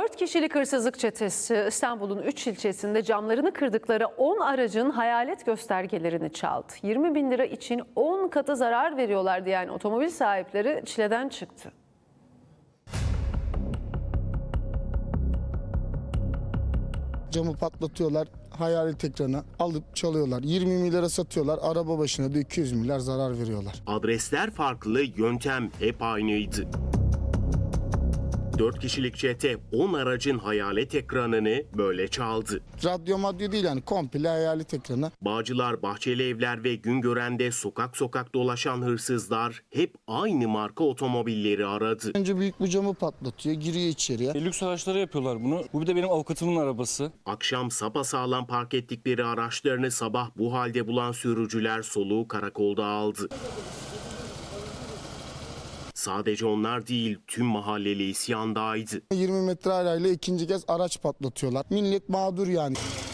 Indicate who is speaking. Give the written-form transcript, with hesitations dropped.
Speaker 1: 4 kişilik hırsızlık çetesi İstanbul'un 3 ilçesinde camlarını kırdıkları 10 aracın hayalet göstergelerini çaldı. 20 bin lira için 10 katı zarar veriyorlar diyen otomobil sahipleri çileden çıktı.
Speaker 2: Camı patlatıyorlar, hayalet ekranı alıp çalıyorlar. 20 milyara satıyorlar, araba başına da 200 milyar zarar veriyorlar.
Speaker 3: Adresler farklı, yöntem hep aynıydı. 4 kişilik çete 10 aracın hayalet ekranını böyle çaldı.
Speaker 2: Radyo madyo değil yani komple hayalet ekranı.
Speaker 3: Bağcılar, Bahçeli Evler ve Güngören'de sokak sokak dolaşan hırsızlar hep aynı marka otomobilleri aradı.
Speaker 2: Önce büyük bu camı patlatıyor, giriyor içeriye.
Speaker 4: Lüks araçlara yapıyorlar bunu. Bu bir de benim avukatımın arabası.
Speaker 3: Akşam sapasağlam park ettikleri araçlarını sabah bu halde bulan sürücüler soluğu karakolda aldı. Sadece onlar değil, tüm mahalleli isyandaydı.
Speaker 2: 20 metre arayla ikinci kez araç patlatıyorlar. Millet mağdur yani.